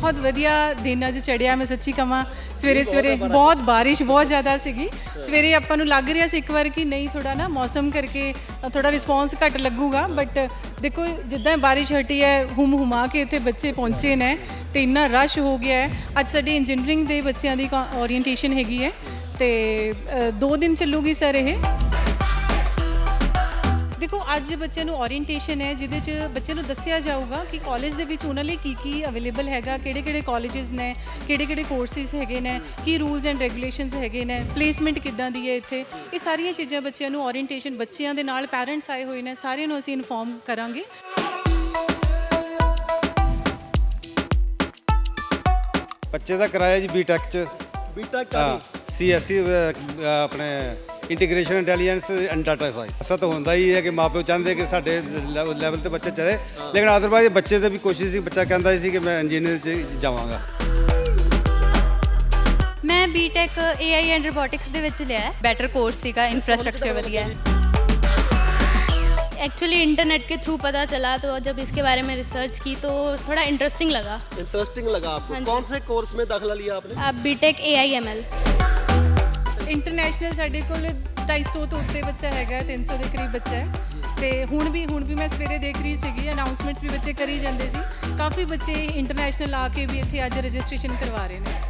बहुत वधिया दिन अज चढ़िया। मैं सच्ची कहां सवेरे सवेरे बहुत बारिश बहुत ज़्यादा सीगी। सवेरे आपां नूं लग रहा सी एक बार कि नहीं थोड़ा ना मौसम करके थोड़ा रिस्पॉन्स घट लगूगा, बट देखो जिद्दां बारिश हटी है हुम हुमा के इत्थे बच्चे पहुँचे ने तो इन्ना रश हो गया है। अज साडी इंजीनियरिंग दे बच्चों की ओरीएंटेशन हैगी है तो 2 दिन चलूगी सर ये। देखो अज बच्चे ओरीएंटेशन है जिहदे च बच्चे दस्सिया जाऊगा कि कॉलेज दे विच उन्हां लई की अवेलेबल हैगा, किहड़े कॉलेजेस ने, किहड़े कोर्सिस हैगे ने, की रूल्स एंड रेगूलेशनस हैगे ने, प्लेसमेंट किद्दां दी है इत्थे। ये सारियां चीज़ां बच्चों नूं ओरीएंटेशन बच्चों दे नाल पेरेंट्स आए हुए ने सारिਆਂ ਨੂੰ ਅਸੀਂ इन्फॉर्म करांगे। बच्चे का किराया जी बीटेक च बीटेक हाँ CSE अपने integration intelligence and data science. ऐसा तो होता ही है कि माँ प्यो चाहते कि साढ़े लैवल ते बच्चे चले, लेकिन अदरवाइज बच्चे की भी कोशिश थी, बच्चा कहता सी कि मैं इंजीनियर जावांगा। मैं बीटेक AI एंड रोबोटिक्स ਦੇ ਵਿੱਚ ਲਿਆ ਹੈ। बेटर कोर्स ਸੀਗਾ, इंफ्रास्ट्रक्चर ਵਧੀਆ है। एक्चुअली इंटरनेट के थ्रू पता चला तो जब इसके बारे में रिसर्च की तो थोड़ा इंटरेस्टिंग लगा। इंटरेस्टिंग लगा आपको? कौन से कोर्स में दाखिला लिया आपने? अब बीटेक AI ML। इंटरनेशनल साढ़े कोल 250 तो उत्ते बच्चा हैगा, 300 के करीब बच्चा है। तो हुण भी मैं सवेरे देख रही सी अनाउंसमेंट्स भी बच्चे करी जाते सी। काफ़ी बच्चे इंटरनेशनल आके भी इत्थे अज रजिस्ट्रेशन करवा रहे हैं।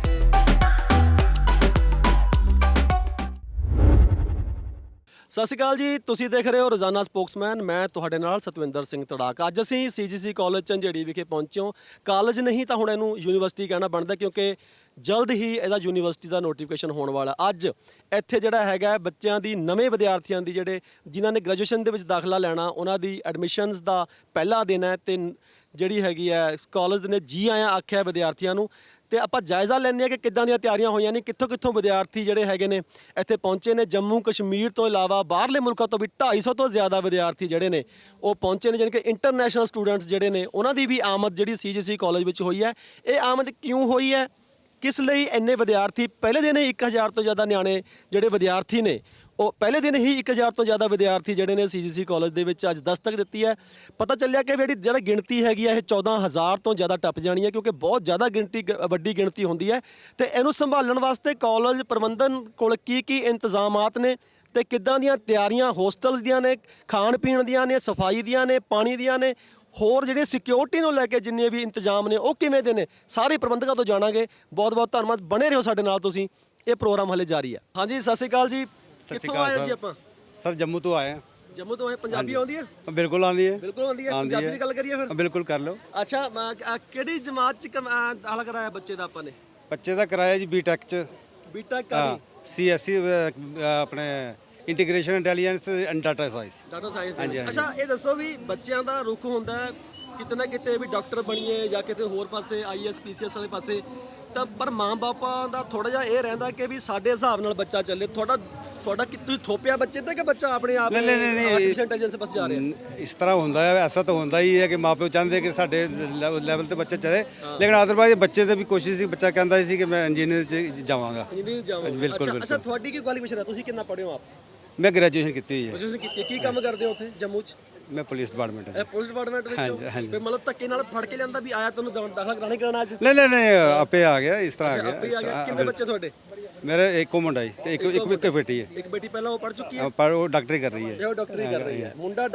ਸਤਿ ਸ਼੍ਰੀ ਅਕਾਲ ਜੀ, ਤੁਸੀਂ ਦੇਖ ਰਹੇ ਹੋ ਰੋਜ਼ਾਨਾ ਸਪੋਕਸਮੈਨ। ਮੈਂ ਤੁਹਾਡੇ ਨਾਲ ਸਤਵਿੰਦਰ ਸਿੰਘ ਤੜਾਕ। ਅੱਜ ਅਸੀਂ CGC ਕਾਲਜ ਝੰਜੇੜੀ ਵਿਖੇ ਪਹੁੰਚੇ ਹਾਂ। ਕਾਲਜ ਨਹੀਂ ਤਾਂ ਹੁਣ ਇਹਨੂੰ ਯੂਨੀਵਰਸਿਟੀ ਕਹਿਣਾ ਬਣਦਾ, ਕਿਉਂਕਿ ਜਲਦ ਹੀ ਇਹਦਾ ਯੂਨੀਵਰਸਿਟੀ ਦਾ ਨੋਟੀਫਿਕੇਸ਼ਨ ਹੋਣ ਵਾਲਾ। ਅੱਜ ਇੱਥੇ ਜਿਹੜਾ ਹੈਗਾ ਬੱਚਿਆਂ ਦੀ, ਨਵੇਂ ਵਿਦਿਆਰਥੀਆਂ ਦੀ ਜਿਹੜੇ ਜਿਨ੍ਹਾਂ ਨੇ ਗ੍ਰੈਜੂਏਸ਼ਨ ਦੇ ਵਿੱਚ ਦਾਖਲਾ ਲੈਣਾ, ਉਹਨਾਂ ਦੀ ਐਡਮਿਸ਼ਨਸ ਦਾ ਪਹਿਲਾ ਦਿਨ ਹੈ ਤੇ ਜਿਹੜੀ ਹੈਗੀ ਹੈ ਕਾਲਜ ਨੇ ਜੀ ਆਇਆਂ ਆਖਿਆ ਵਿਦਿਆਰਥੀਆਂ ਨੂੰ। ਤੇ ਆਪਾਂ ਜਾਇਜ਼ਾ ਲੈਂਦੇ ਹਾਂ ਕਿ ਕਿੱਦਾਂ ਦੀਆਂ ਤਿਆਰੀਆਂ ਹੋਈਆਂ ਨੇ, ਕਿੱਥੋਂ ਵਿਦਿਆਰਥੀ ਜਿਹੜੇ ਹੈਗੇ ਨੇ ਇੱਥੇ ਪਹੁੰਚੇ ਨੇ। ਜੰਮੂ ਕਸ਼ਮੀਰ ਤੋਂ ਇਲਾਵਾ ਬਾਹਰਲੇ ਮੁਲਕਾਂ ਤੋਂ ਵੀ 250 ਤੋਂ ਜ਼ਿਆਦਾ ਵਿਦਿਆਰਥੀ ਜਿਹੜੇ ਨੇ ਉਹ ਪਹੁੰਚੇ ਨੇ, ਜਾਣੀ ਕਿ ਇੰਟਰਨੈਸ਼ਨਲ ਸਟੂਡੈਂਟਸ ਜਿਹੜੇ ਨੇ ਉਹਨਾਂ ਦੀ ਵੀ ਆਮਦ ਜਿਹੜੀ CGC ਕਾਲਜ ਵਿੱਚ ਹੋਈ ਹੈ। ਇਹ ਆਮਦ ਕਿਉਂ ਹੋਈ ਹੈ, ਕਿਸ ਲਈ ਇੰਨੇ ਵਿਦਿਆਰਥੀ? ਪਹਿਲੇ ਦਿਨ ਹੀ 1000 ਤੋਂ ਜ਼ਿਆਦਾ ਨਿਆਣੇ ਜਿਹੜੇ ਵਿਦਿਆਰਥੀ ਨੇ, ਉਹ ਪਹਿਲੇ ਦਿਨ ਹੀ 1000 ਤੋਂ ਜ਼ਿਆਦਾ ਵਿਦਿਆਰਥੀ ਜਿਹੜੇ ਨੇ CGC ਕਾਲਜ ਦੇ ਵਿੱਚ ਅੱਜ ਦਸਤਕ ਦਿੱਤੀ ਹੈ। ਪਤਾ ਚੱਲਿਆ ਕਿ ਜਿਹੜੀ ਗਿਣਤੀ ਹੈਗੀ ਹੈ ਇਹ 14000 ਤੋਂ ਜ਼ਿਆਦਾ ਟੱਪ ਜਾਣੀ ਹੈ, ਕਿਉਂਕਿ ਬਹੁਤ ਜ਼ਿਆਦਾ ਵੱਡੀ ਗਿਣਤੀ ਹੁੰਦੀ ਹੈ। ਤੇ ਇਹਨੂੰ ਸੰਭਾਲਣ ਵਾਸਤੇ ਕਾਲਜ ਪ੍ਰਬੰਧਨ ਕੋਲ ਕੀ ਇੰਤਜ਼ਾਮਾਤ ਨੇ ਤੇ ਕਿੱਦਾਂ ਦੀਆਂ ਤਿਆਰੀਆਂ ਹੋਸਟਲਸ ਦੀਆਂ ਨੇ, ਖਾਣ ਪੀਣ ਦੀਆਂ ਨੇ, ਸਫਾਈ ਦੀਆਂ ਨੇ, ਪਾਣੀ ਦੀਆਂ ਨੇ, ਹੋਰ ਜਿਹੜੇ ਸਿਕਿਉਰਿਟੀ ਨੂੰ ਲੈ ਕੇ ਜਿੰਨੇ ਵੀ ਇੰਤਜ਼ਾਮ ਨੇ ਉਹ ਕਿਵੇਂ ਦੇ ਨੇ, ਸਾਰੇ ਪ੍ਰਬੰਧਕਾਂ ਤੋਂ ਜਾਣਾਂਗੇ। ਬਹੁਤ ਬਹੁਤ ਧੰਨਵਾਦ, ਬਣੇ ਰਹੋ ਸਾਡੇ ਨਾਲ ਤੁਸੀਂ। ਇਹ ਪ੍ਰੋਗਰਾਮ ਹਲੇ ਜਾਰੀ ਹੈ। ਹਾਂਜੀ, ਸਤਿ ਸ਼੍ਰੀ ਅਕਾਲ ਜੀ। ਸਤਿ ਸ਼੍ਰੀ ਅਕਾਲ ਜੀ ਆਪਾਂ ਸਰ ਜੰਮੂ ਤੋਂ ਆਏ ਹਾਂ। ਜੰਮੂ ਤੋਂ ਆਏ। ਪੰਜਾਬੀ ਆਉਂਦੀ ਹੈ? ਬਿਲਕੁਲ ਆਉਂਦੀ ਹੈ। ਬਿਲਕੁਲ ਆਉਂਦੀ ਹੈ। ਪੰਜਾਬੀ ਦੀ ਗੱਲ ਕਰੀਏ ਫਿਰ? ਬਿਲਕੁਲ ਕਰ ਲਓ। ਅੱਛਾ, ਕਿਹੜੀ ਜਮਾਤ ਚ ਦਾਖਲਾ ਕਰਾਇਆ ਬੱਚੇ ਦਾ ਆਪਾਂ ਨੇ? ਬੱਚੇ ਦਾ ਕਿਰਾਇਆ ਜੀ ਬੀਟੈਕ ਚ ਬੀਟੈਕ हाँ CSE अपने integration intelligence and data science. Data science ਹਾਂਜੀ, ਦੇ ਵਿੱਚ। ਹਾਂਜੀ। ਅੱਛਾ, ਇਹ ਦੱਸੋ ਵੀ ਬੱਚਿਆਂ ਦਾ ਰੁਖ ਹੁੰਦਾ ਹੈ ਕਿਤੇ ਨਾ ਕਿਤੇ ਵੀ ਡਾਕਟਰ ਬਣੀਏ ਜਾਂ ਕਿਸੇ ਹੋਰ ਪਾਸੇ IAS PCS ਵਾਲੇ ਪਾਸੇ, ਤਾਂ ਪਰ ਮਾਂ-ਬਾਪਾਂ ਦਾ ਥੋੜਾ ਜਿਹਾ ਇਹ ਰਹਿੰਦਾ ਕਿ ਵੀ ਸਾਡੇ ਹਿਸਾਬ ਨਾਲ ਬੱਚਾ ਚੱਲੇ। ਤੁਹਾਡਾ ਕਿ ਤੁਸੀਂ ਥੋਪਿਆ ਬੱਚੇ ਤੇ ਕਿ ਬੱਚਾ ਆਪਣੇ ਆਪ ਨਹੀਂ ਆਰਟੀਫੀਸ਼ੀਅਲ ਇੰਟੈਲੀਜੈਂਸ ਪਾਸੇ ਜਾ ਰਿਹਾ? ਇਸ ਤਰ੍ਹਾਂ ਹੁੰਦਾ ਹੈ, ਐਸਾ ਤਾਂ ਹੁੰਦਾ ਹੀ ਹੈ ਕਿ ਮਾਂ ਪਿਓ ਚਾਹੁੰਦੇ ਕਿ ਸਾਡੇ ਲੈਵਲ ਤੇ ਬੱਚਾ ਚਲੇ, ਲੇਕਿਨ ਅਦਰਵਾਈਜ਼ ਬੱਚੇ ਦੀ ਵੀ ਕੋਸ਼ਿਸ਼ ਸੀ, ਬੱਚਾ ਕਹਿੰਦਾ ਸੀ ਕਿ ਮੈਂ ਇੰਜੀਨੀਅਰ ਜਾਵਾਂਗਾ। ਇੰਜੀਨੀਅਰ ਜਾਵਾਂਗਾ। ਬਿਲਕੁਲ। ਅੱਛਾ, ਤੁਹਾਡੀ ਕੀ ਕੁਆਲੀਫਿਕੇਸ਼ਨ ਹੈ? ਤੁਸੀਂ ਕਿੰਨਾ ਪੜ੍ਹੇ ਹੋ ਆਪ? ਮੈਂ ਗ੍ਰੈਜੂਏਸ਼ਨ ਕੀਤੀ ਹੋਈ ਹੈ। ਤੁਸੀਂ ਕੀਤੀ? ਕੀ ਕੰਮ ਕਰਦੇ ਹੋ ਉੱਥੇ ਜੰਮੂ 'ਚ? ਮੈਂ ਪੁਲਿਸ ਡਿਪਾਰਟਮੈਂਟ ਹੈ। ਇਹ ਪੁਲਿਸ ਡਿਪਾਰਟਮੈਂਟ ਵਿੱਚ ਹੋ? ਫਿਰ ਮਤਲਬ ਧੱਕੇ ਨਾਲ ਫੜ ਕੇ ਲਿਆਂਦਾ ਵੀ ਆਇਆ ਤੁਹਾਨੂੰ ਦਾਖਲਾ ਕਰਾਣੇ ਕਰਾਣਾ ਅੱਜ? ਨਹੀਂ ਆਪੇ ਆ ਗਿਆ, ਇਸ ਤਰ੍ਹਾਂ ਆ ਆਪੇ ਆ ਗਿਆ। ਗਿਆ। ਕਿੰਨੇ ਬੱਚੇ ਤੁਹਾਡੇ? ਮੇਰੇ ਇੱਕੋ ਮੁੰਡਾ ਹੀ ਤੇ ਇੱਕ ਬੇਟੀ ਹੈ। ਇੱਕ ਬੇਟੀ ਪਹਿਲਾਂ ਉਹ ਪੜ੍ਹ ਚੁੱਕੀ ਹੈ? ਪਰ ਉਹ ਡਾਕਟਰੀ ਕਰ ਰਹੀ ਹੈ। ਉਹ ਡਾਕਟਰੀ ਕਰ ਰਹੀ ਹੈ।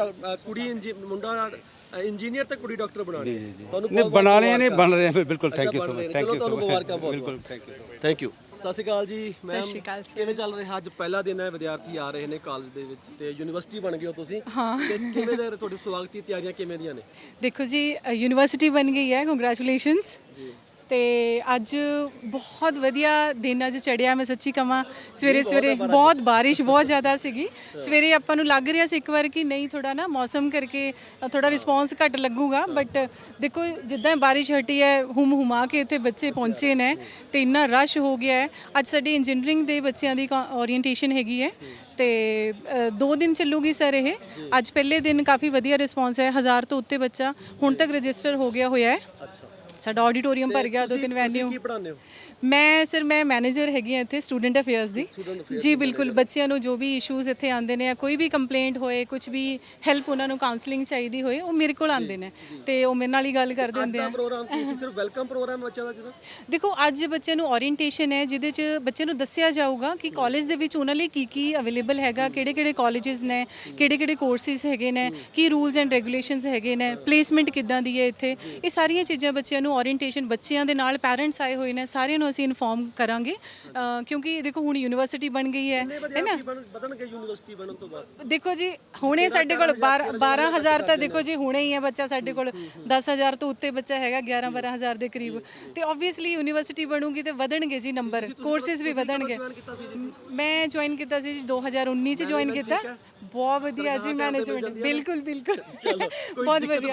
ਕੁੜੀ ਮੁੰਡਾ ਇੰਜੀਨੀਅਰ ਤੇ ਕੁੜੀ ਡਾਕਟਰ ਬਣਾਣੀ ਹੈ। ਤੁਹਾਨੂੰ ਨਹੀਂ ਬਣਾਣੇ ਨਹੀਂ ਬਣ ਰਹੇ ਹਨ। ਬਿਲਕੁਲ, ਥੈਂਕ ਯੂ ਸੋ ਮਚ। ਚਲੋ ਤੁਹਾਨੂੰ ਮੁਬਾਰਕਾਂ ਬਹੁਤ। ਬਿਲਕੁਲ, thank you so much. Thank you. ਸਤਿ ਸ਼੍ਰੀ ਅਕਾਲ ਜੀ ਮੈਮ। ਸਤਿ ਸ਼੍ਰੀ ਅਕਾਲ ਸਰ। ਕਿਵੇਂ ਚੱਲ ਰਿਹਾ? ਅੱਜ ਪਹਿਲਾ ਦਿਨ ਹੈ, ਵਿਦਿਆਰਥੀ ਆ ਰਹੇ ਨੇ ਕਾਲਜ ਦੇ ਵਿੱਚ ਤੇ ਯੂਨੀਵਰਸਿਟੀ ਬਣ ਗਈ ਹੋ ਤੁਸੀਂ। ਤੇ ਕਿਵੇਂ ਦੇ ਤੁਹਾਡੇ ਸਵਾਗਤ ਦੀ ਤਿਆਰੀਆਂ ਕਿਵੇਂ ਦੀਆਂ ਨੇ? देखो जी यूनिवर्सिटी बन गई है, कंग्रेचुलेशनस। तो अज बहुत वधिया दिन अज चढ़िया। मैं सच्ची कहां सवेरे सवेरे बहुत बारिश बहुत ज़्यादा सीगी। सवेरे आपां नूं लग रहा सी एक बार कि नहीं थोड़ा ना मौसम करके थोड़ा रिस्पॉन्स घट लगूगा, बट देखो जिद्दां बारिश हटी है हुम हुमा के इत्थे बच्चे पहुँचे ने तो इन्ना रश हो गया है। अज साडी इंजीनियरिंग दे बच्चों की ओरीएंटेशन हैगी है तो 2 दिन चलूगी सर ये। अज पहले दिन काफ़ी वधिया रिस्पॉन्स है, 1000 तो उत्ते बच्चा हुण तक रजिस्टर हो गया होया है। ਸਾਡਾ ਆਡੀਟੋਰੀਅਮ ਭਰ ਗਿਆ, 2-3 ਵੈਨਿਊ। ਕੀ ਪੜਾਉਂਦੇ ਹੋ? ਮੈਂ ਮੈਨੇਜਰ ਹੈਗੀ ਹਾਂ ਇੱਥੇ ਸਟੂਡੈਂਟ ਅਫੇਅਰਸ ਦੀ ਜੀ। ਬਿਲਕੁਲ, ਬੱਚਿਆਂ ਨੂੰ ਜੋ ਵੀ ਇਸ਼ੂਜ਼ ਇੱਥੇ ਆਉਂਦੇ ਨੇ, ਕੋਈ ਵੀ ਕੰਪਲੇਂਟ ਹੋਏ, ਕੁਝ ਵੀ ਹੈਲਪ ਉਹਨਾਂ ਨੂੰ ਕਾਉਂਸਲਿੰਗ ਚਾਹੀਦੀ ਹੋਏ, ਉਹ ਮੇਰੇ ਕੋਲ ਆਉਂਦੇ ਨੇ ਤੇ ਉਹ ਮੇਰੇ ਨਾਲ ਹੀ ਗੱਲ ਕਰ ਦਿੰਦੇ ਆ। ਪ੍ਰੋਗਰਾਮ ਕੀ ਸੀ? ਸਿਰਫ ਵੈਲਕਮ ਪ੍ਰੋਗਰਾਮ ਬੱਚਿਆਂ ਦਾ ਜਿਹਦਾ? ਦੇਖੋ, ਅੱਜ ਬੱਚਿਆਂ ਨੂੰ ਓਰੀਐਂਟੇਸ਼ਨ ਹੈ ਜਿਹਦੇ 'ਚ ਬੱਚੇ ਨੂੰ ਦੱਸਿਆ ਜਾਊਗਾ ਕਿ ਕਾਲਜ ਦੇ ਵਿੱਚ ਉਹਨਾਂ ਲਈ ਕੀ ਅਵੇਲੇਬਲ ਹੈਗਾ, ਕਿਹੜੇ ਕਾਲਜਸ ਨੇ, ਕਿਹੜੇ ਕੋਰਸਿਸ ਹੈਗੇ ਨੇ, ਕੀ ਰੂਲਸ ਐਂਡ ਰੈਗੂਲੇਸ਼ਨਸ ਹੈਗੇ ਨੇ, ਪਲੇਸਮੈਂਟ ਕਿੱਦਾਂ ਦੀ ਹੈ ਇੱਥੇ। ਇਹ ਸਾਰੀਆਂ ਚੀਜ਼ਾਂ ਬੱਚਿਆਂ ਨੂੰ ਓਰੀਐਂਟੇਸ਼ਨ, ਬੱਚਿਆਂ ਦੇ ਨਾਲ ਪੈਰੈਂਟਸ ਆਏ ਹੋਏ ਨੇ, ਸਾਰਿਆਂ ਨੂੰ ਅਸੀਂ ਇਨਫੋਰਮ ਕਰਾਂਗੇ ਕਿਉਂਕਿ ਦੇਖੋ ਹੁਣ ਯੂਨੀਵਰਸਿਟੀ ਬਣ ਗਈ ਹੈ ਨਾ। ਵਧਣਗੇ ਯੂਨੀਵਰਸਿਟੀ ਬਣਨ ਤੋਂ ਬਾਅਦ? ਦੇਖੋ ਜੀ, ਹੁਣੇ ਸਾਡੇ ਕੋਲ 12,000 ਤਾਂ ਦੇਖੋ ਜੀ ਹੁਣੇ ਹੀ ਹੈ ਬੱਚਾ, ਸਾਡੇ ਕੋਲ 10,000 ਤੋਂ ਉੱਤੇ ਬੱਚਾ ਹੈਗਾ, 11-12,000 ਦੇ ਕਰੀਬ। ਤੇ ਆਬਵੀਅਸਲੀ ਯੂਨੀਵਰਸਿਟੀ ਬਣੂਗੀ ਤੇ ਵਧਣਗੇ ਜੀ ਨੰਬਰ, ਕੋਰਸਿਸ ਵੀ ਵਧਣਗੇ। ਮੈਂ ਜੁਆਇਨ ਕੀਤਾ ਸੀ 2019 ਚ ਜੁਆਇਨ ਕੀਤਾ। ਬਹੁਤ ਵਧੀਆ ਜੀ, ਮੈਨੇਜਮੈਂਟ ਬਿਲਕੁਲ ਬਹੁਤ ਵਧੀਆ।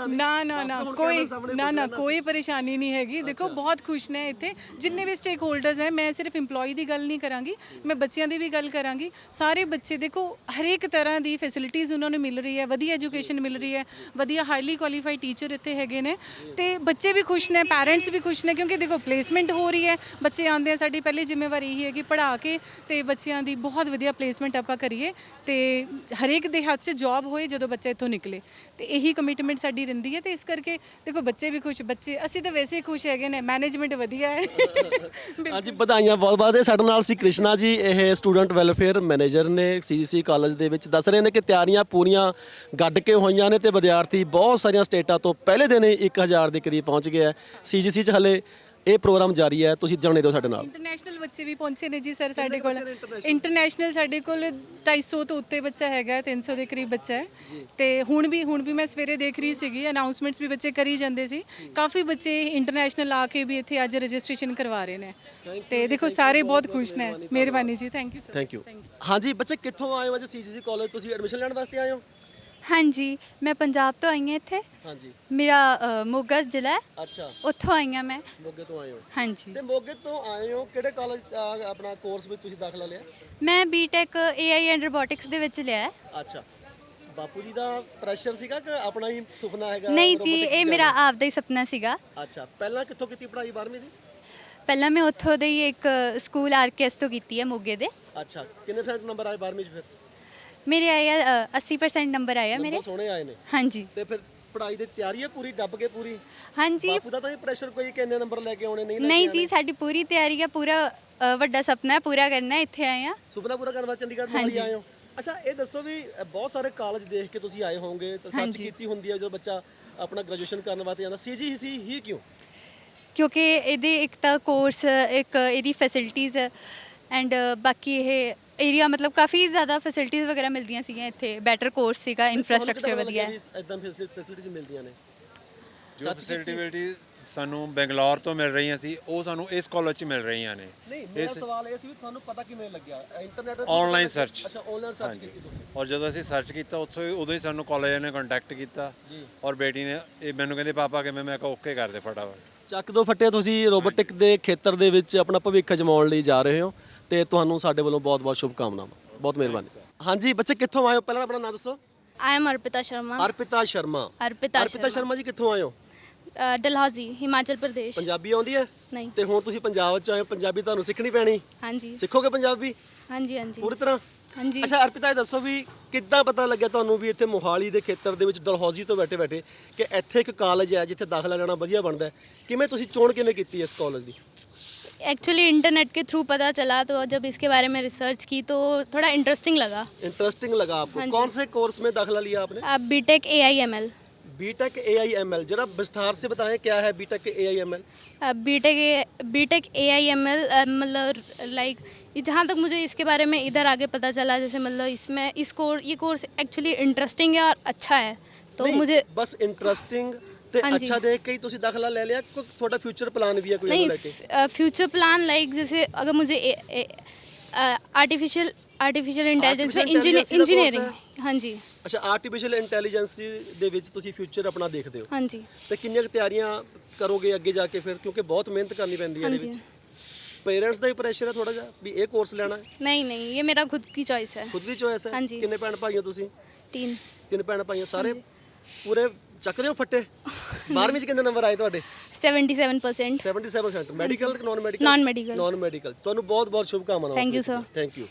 ਨਾ ਕੋਈ ਪਰੇਸ਼ਾਨੀ ਨਹੀਂ ਹੈਗੀ। ਦੇਖੋ ਬਹੁਤ ਖੁਸ਼ ਨੇ ਇੱਥੇ ਜਿੰਨੇ ਵੀ ਸਟੇਕ ਹੋਲਡਰਸ ਹੈ। ਮੈਂ ਸਿਰਫ EMPLOYE ਦੀ ਗੱਲ ਨਹੀਂ ਕਰਾਂਗੀ, ਮੈਂ ਬੱਚਿਆਂ ਦੀ ਵੀ ਗੱਲ ਕਰਾਂਗੀ। ਸਾਰੇ ਬੱਚੇ ਦੇਖੋ ਹਰੇਕ ਤਰ੍ਹਾਂ ਦੀ ਫੈਸਿਲਿਟੀਜ਼ ਉਹਨਾਂ ਨੂੰ ਮਿਲ ਰਹੀ ਹੈ, ਵਧੀਆ ਐਜੂਕੇਸ਼ਨ ਮਿਲ ਰਹੀ ਹੈ, ਵਧੀਆ ਹਾਈਲੀ ਕੁਆਲੀਫਾਈਡ ਟੀਚਰ ਇੱਥੇ ਹੈਗੇ ਨੇ ਤੇ ਬੱਚੇ ਵੀ ਖੁਸ਼ ਨੇ, ਪੈਰੈਂਟਸ ਵੀ ਖੁਸ਼ ਨੇ ਕਿਉਂਕਿ ਦੇਖੋ ਪਲੇਸਮੈਂਟ ਹੋ ਰਹੀ ਹੈ। ਬੱਚੇ ਆਉਂਦੇ ਆ, ਸਾਡੀ ਪਹਿਲੀ ਜ਼ਿੰਮੇਵਾਰੀ ਇਹੀ ਹੈ ਕਿ ਪੜ੍ਹਾ ਕੇ ਤੇ ਬੱਚਿਆਂ ਦੀ ਬਹੁਤ ਵਧੀਆ ਪਲੇਸਮੈਂਟ ਆਪਾਂ ਕਰੀਏ ਤੇ ਹਰੇਕ ਦੇ ਹੱਥ 'ਚ ਜੌਬ ਹੋਏ ਜਦੋਂ ਬੱਚਾ ਇੱਥੋਂ ਨਿਕਲੇ। ਤੇ ਇਹੀ ਕਮਿਟਮੈਂਟ ਸਾਡੀ ਰਹਿੰਦੀ ਹੈ ਤੇ ਇਸ ਕਰਕੇ ਦੇਖੋ ਬੱਚੇ ਵੀ ਖੁਸ਼, ਬੱਚੇ ਅਸੀਂ ਤਾਂ ਵੈਸੇ ਹੀ ਖੁਸ਼ ਹੈਗੇ ਨੇ, ਮੈਨੇਜਮੈਂਟ ਵਧੀਆ ਹੈ। ਹਾਂਜੀ, ਵਧਾਈਆਂ ਬਹੁਤ ਬਹੁਤ। ਸਾਡੇ ਨਾਲ ਸੀ ਕ੍ਰਿਸ਼ਨਾ ਜੀ, ਇਹ ਸਟੂਡੈਂਟ ਵੈਲਫੇਅਰ ਮੈਨੇਜਰ ਨੇ CGC ਕਾਲਜ ਦੇ ਵਿੱਚ। ਦੱਸ ਰਹੇ ਨੇ ਕਿ ਤਿਆਰੀਆਂ ਪੂਰੀਆਂ ਗੱਡ ਕੇ ਹੋਈਆਂ ਨੇ ਤੇ ਵਿਦਿਆਰਥੀ ਬਹੁਤ ਸਾਰੀਆਂ ਸਟੇਟਾਂ ਤੋਂ ਪਹਿਲੇ ਦਿਨ ਹੀ 1000 ਦੇ ਕਰੀਬ ਪਹੁੰਚ ਗਏ ਹੈ। CGC 'ਚ ਹਲੇ ਇਹ ਪ੍ਰੋਗਰਾਮ ਜਾਰੀ ਹੈ, ਤੁਸੀਂ ਜਾਣੇ ਰਹੋ ਸਾਡੇ ਨਾਲ। ਇੰਟਰਨੈਸ਼ਨਲ ਬੱਚੇ ਵੀ ਪਹੁੰਚੇ ਨੇ ਜੀ ਸਰ ਸਾਡੇ ਕੋਲ। ਇੰਟਰਨੈਸ਼ਨਲ ਸਾਡੇ ਕੋਲ 250 ਤੋਂ ਉੱਤੇ ਬੱਚਾ ਹੈਗਾ, 300 ਦੇ ਕਰੀਬ ਬੱਚਾ ਹੈ। ਤੇ ਹੁਣ ਵੀ ਮੈਂ ਸਵੇਰੇ ਦੇਖ ਰਹੀ ਸੀਗੀ, ਅਨਾਉਂਸਮੈਂਟਸ ਵੀ ਬੱਚੇ ਕਰੀ ਜਾਂਦੇ ਸੀ। ਕਾਫੀ ਬੱਚੇ ਇੰਟਰਨੈਸ਼ਨਲ ਆ ਕੇ ਵੀ ਇੱਥੇ ਅੱਜ ਰਜਿਸਟ੍ਰੇਸ਼ਨ ਕਰਵਾ ਰਹੇ ਨੇ ਤੇ ਦੇਖੋ ਸਾਰੇ ਬਹੁਤ ਖੁਸ਼ ਨੇ। ਮਿਹਰਬਾਨੀ ਜੀ, thank you sir. Thank you. ਹਾਂਜੀ ਬੱਚੇ, ਕਿੱਥੋਂ ਆਏ ਹੋ ਅੱਜ CGC ਕਾਲਜ? ਤੁਸੀਂ ਐਡਮਿਸ਼ਨ ਲੈਣ ਵਾਸਤੇ ਆਏ ਹੋ? ਹਾਂਜੀ, ਮੈਂ ਪੰਜਾਬ ਤੋਂ ਆਈ ਹਾਂ ਇੱਥੇ। ਹਾਂਜੀ। ਮੇਰਾ ਮੋਗਾ ਜ਼ਿਲ੍ਹਾ ਹੈ, ਅੱਛਾ, ਉੱਥੋਂ ਆਈ ਹਾਂ ਮੈਂ। ਮੋਗੇ ਤੋਂ ਆਏ ਹੋ? ਹਾਂਜੀ, ਤੇ ਮੋਗੇ ਤੋਂ ਆਏ ਹੋ, ਕਿਹੜੇ ਕਾਲਜ ਆਪਣਾ ਕੋਰਸ ਵਿੱਚ ਤੁਸੀਂ ਦਾਖਲਾ ਲਿਆ? ਮੈਂ BTech AI ਐਂਡ ਰੋਬੋਟਿਕਸ ਦੇ ਵਿੱਚ ਲਿਆ ਹੈ। ਅੱਛਾ, ਬਾਪੂ ਜੀ ਦਾ ਪ੍ਰੈਸ਼ਰ ਸੀਗਾ ਕਿ ਆਪਣਾ ਹੀ ਸੁਪਨਾ ਹੈਗਾ? ਨਹੀਂ ਜੀ, ਇਹ ਮੇਰਾ ਆਪਦਾ ਹੀ ਸੁਪਨਾ ਸੀਗਾ। ਅੱਛਾ, ਪਹਿਲਾਂ ਕਿੱਥੋਂ ਕੀਤੀ ਪੜ੍ਹਾਈ 12ਵੀਂ ਦੀ? ਪਹਿਲਾਂ ਮੈਂ ਉੱਥੋਂ ਦੇ ਹੀ ਇੱਕ ਸਕੂਲ RKS ਤੋਂ ਕੀਤੀ ਹੈ ਮੋਗੇ ਦੇ। ਅੱਛਾ, ਕਿੰਨੇ % ਨੰਬਰ ਆਏ 12ਵੀਂ 'ਚ ਫਿਰ? ਮੇਰੇ ਆਏ ਆ 80% ਨੰਬਰ ਆਏ ਆ ਮੇਰੇ। ਬਹੁਤ ਸੋਹਣੇ ਆਏ ਨੇ। ਹਾਂਜੀ। ਤੇ ਫਿਰ ਪੜ੍ਹਾਈ ਦੀ ਤਿਆਰੀ ਹੈ ਪੂਰੀ, ਡੱਬ ਕੇ ਪੂਰੀ? ਹਾਂਜੀ। ਬਾਪੂ ਦਾ ਤਾਂ ਨਹੀਂ ਪ੍ਰੈਸ਼ਰ ਕੋਈ ਕਿ ਇੰਨੇ ਨੰਬਰ ਲੈ ਕੇ ਆਉਣੇ, ਨਹੀਂ ਲੈ ਕੇ ਨਹੀਂ ਆਉਣੇ? ਜੀ, ਸਾਡੀ ਪੂਰੀ ਤਿਆਰੀ ਹੈ, ਪੂਰਾ ਵੱਡਾ ਸੁਪਨਾ ਹੈ, ਪੂਰਾ ਕਰਨਾ ਹੈ, ਇੱਥੇ ਆਏ ਆ। ਸੁਪਨਾ ਪੂਰਾ ਕਰਨ ਵਾਸਤੇ ਚੰਡੀਗੜ੍ਹ ਮੋਹਾਲੀ ਆਏ ਹੋ? ਅੱਛਾ, ਇਹ ਦੱਸੋ ਵੀ ਬਹੁਤ ਸਾਰੇ ਕਾਲਜ ਦੇਖ ਕੇ ਤੁਸੀਂ ਆਏ ਹੋਵੋਗੇ ਤਾਂ ਸਰਚ ਕੀਤੀ ਹੁੰਦੀ ਹੈ ਜਦੋਂ ਬੱਚਾ ਆਪਣਾ ਗ੍ਰੈਜੂਏਸ਼ਨ ਕਰਨ ਵਾਸਤੇ ਜਾਂਦਾ, CGC ਹੀ ਕਿਉਂ? ਕਿਉਂਕਿ ਇਹਦੇ ਇੱਕ ਤਾਂ ਕੋਰਸ, ਇੱਕ ਇਹਦੀ ਫੈਸਿਲਿਟੀਜ਼ ਐਂਡ ਬਾਕੀ ਇਹ ਏਰੀਆ ਮਤਲਬ ਕਾਫੀ ਜ਼ਿਆਦਾ ਫੈਸਿਲਿਟੀਜ਼ ਵਗੈਰਾ ਮਿਲਦੀਆਂ ਸੀਗੀਆਂ ਇੱਥੇ। ਬੈਟਰ ਕੋਰਸ ਸੀਗਾ, ਇਨਫਰਾਸਟ੍ਰਕਚਰ ਵਧੀਆ ਹੈ। ਇਦਾਂ ਫੈਸਿਲਿਟੀਜ਼ ਮਿਲਦੀਆਂ ਨੇ? ਜੋ ਫੈਸਿਲਿਟੀ ਸਾਨੂੰ ਬੰਗਲੌਰ ਤੋਂ ਮਿਲ ਰਹੀਆਂ ਸੀ, ਉਹ ਸਾਨੂੰ ਇਸ ਕਾਲਜ 'ਚ ਮਿਲ ਰਹੀਆਂ ਨੇ। ਨਹੀਂ, ਮੇਰਾ ਸਵਾਲ ਇਹ ਸੀ ਵੀ ਤੁਹਾਨੂੰ ਪਤਾ ਕਿਵੇਂ ਲੱਗਿਆ? Internet online search. ਅੱਛਾ, ਆਨਲਾਈਨ ਸਰਚ ਕੀਤੀ ਤੁਸੀਂ? ਔਰ ਜਦੋਂ ਅਸੀਂ ਸਰਚ ਕੀਤਾ ਉਦੋਂ ਹੀ ਸਾਨੂੰ ਕਾਲਜ ਨੇ ਕੰਟੈਕਟ ਕੀਤਾ ਔਰ ਬੇਟੀ ਨੇ ਇਹ ਮੈਨੂੰ ਕਹਿੰਦੇ ਪਾਪਾ ਕਿਵੇਂ, ਮੈਂ ਕਿਹਾ ਓਕੇ ਕਰ ਦੇ ਫਟਾਫਟ। ਚੱਕ ਦੋ ਫੱਟੇ, ਤੁਸੀਂ ਰੋਬੋਟਿਕ ਦੇ ਖੇਤਰ ਦੇ ਵਿੱਚ ਆਪਣਾ ਭਵਿੱਖ ਅਜਮਾਉਣ ਲਈ ਜਾ ਰਹੇ ਹੋ ਤੇ ਤੁਹਾਨੂੰ ਸਾਡੇ ਵੱਲੋਂ ਬਹੁਤ-ਬਹੁਤ ਸ਼ੁਭਕਾਮਨਾਵਾਂ। ਬਹੁਤ ਮਿਹਰਬਾਨੀ। ਹਾਂਜੀ ਬੱਚੇ, ਕਿੱਥੋਂ ਆਏ ਹੋ? ਪਹਿਲਾਂ ਆਪਣਾ ਨਾਮ ਦੱਸੋ। I am Arpita Sharma. ਅਰਪਿਤਾ ਸ਼ਰਮਾ। अर्पिता ਅਰਪਿਤਾ ਸ਼ਰਮਾ ਜੀ, ਕਿੱਥੋਂ ਆਏ ਹੋ? डलहौजी, हिमाचल प्रदेश। ਪੰਜਾਬੀ ਆਉਂਦੀ ਹੈ? नहीं। ਤੇ ਹੁਣ ਤੁਸੀਂ ਪੰਜਾਬ 'ਚ ਆਏ ਹੋ, ਪੰਜਾਬੀ ਤੁਹਾਨੂੰ ਸਿੱਖਣੀ ਪੈਣੀ। हाँ जी, ਸਿੱਖੋਗੇ ਪੰਜਾਬੀ हाँ जी, हाँ जी, ਪੂਰੀ ਤਰ੍ਹਾਂ? हाँ जी। ਅੱਛਾ ਅਰਪਿਤਾ, ਇਹ ਦੱਸੋ ਵੀ ਕਿੱਦਾਂ ਪਤਾ ਲੱਗਿਆ ਤੁਹਾਨੂੰ ਵੀ ਇੱਥੇ ਮੋਹਾਲੀ ਦੇ ਖੇਤਰ ਦੇ ਵਿੱਚ ਡਲਹੌਜੀ ਤੋਂ ਬੈਠੇ ਕਿ ਇੱਥੇ ਇੱਕ ਕਾਲਜ ਹੈ ਜਿੱਥੇ ਦਾਖਲਾ ਲੈਣਾ ਵਧੀਆ ਬਣਦਾ ਹੈ? ਕਿਵੇਂ ਤੁਸੀਂ ਚੋਣ ਕਿਵੇਂ ਕੀਤੀ ਇਸ ਕਾਲਜ ਦੀ? एक्चुअली इंटरनेट के थ्रू पता चला, तो जब इसके बारे में रिसर्च की तो थोड़ा इंटरेस्टिंग लगा। इंटरेस्टिंग लगा आपको? हाँ जी। कौन से कोर्स में दाखिला लिया आपने? अब BTech AIML। BTech AIML, जरा विस्तार से बताएं क्या है BTech AIML? BTech AIML मतलब लाइक जहाँ तक मुझे इसके बारे में इधर आगे पता चला, जैसे मतलब इसमें ये कोर्स एक्चुअली इंटरेस्टिंग है और अच्छा है, तो नहीं, मुझे बस इंटरेस्टिंग ਤੇ हाँ जी। अच्छा देख के ही ਤੁਸੀਂ ਦਾਖਲਾ ਲੈ ਲਿਆ? ਕੋਈ ਤੁਹਾਡਾ ਫਿਊਚਰ ਪਲਾਨ ਵੀ ਹੈ ਕੋਈ नहीं, ਲੈ ਕੇ? फ्यूचर प्लान लाइक जैसे अगर मुझे आर्टिफिशियल इंटेलिजेंस में इंजीनियरिंग। हाँ जी, ਅੱਛਾ, ਆਰਟੀਫੀਸ਼ੀਅਲ ਇੰਟੈਲੀਜੈਂਸ ਦੇ ਵਿੱਚ ਤੁਸੀਂ ਫਿਊਚਰ ਆਪਣਾ ਦੇਖਦੇ ਹੋ? हाँ जी, ਤੇ ਕਿੰਨੀਆਂ ਕੁ ਤਿਆਰੀਆਂ ਕਰੋਗੇ ਅੱਗੇ ਜਾ ਕੇ ਫਿਰ, ਕਿਉਂਕਿ ਬਹੁਤ ਮਿਹਨਤ ਕਰਨੀ ਪੈਂਦੀ ਹੈ हाँ ਇਹਦੇ जी। ਵਿੱਚ? ਪੇਰੈਂਟਸ ਦਾ ਹੀ ਪ੍ਰੈਸ਼ਰ ਹੈ ਥੋੜਾ ਜਿਹਾ ਵੀ ਇਹ ਕੋਰਸ ਲੈਣਾ ਹੈ? नहीं नहीं, ये मेरा खुद की चॉइस है। ਖੁਦ ਦੀ ਚੋਇਸ ਹੈ? हाँ जी। ਕਿੰਨੇ ਭੈਣ ਭਾਈ ਹੋ ਤੁਸੀਂ? 3 ਭੈਣ ਭਾਈ ਹੋ ਸਾਰੇ? ਪੂਰੇ ਚੱਕ ਰਹੇ ਹੋ ਫੱਟੇ? 12ਵੀਂ ਚ ਕਿੰਨੇ ਨੰਬਰ ਆਏ ਤੁਹਾਡੇ? 77%। 77% ਮੈਡੀਕਲ ਕਿ non medical? Non medical। Non medical. ਤੁਹਾਨੂੰ ਬਹੁਤ ਬਹੁਤ ਸ਼ੁਭਕਾਮਨਾਵਾਂ। Thank you, sir। Thank you.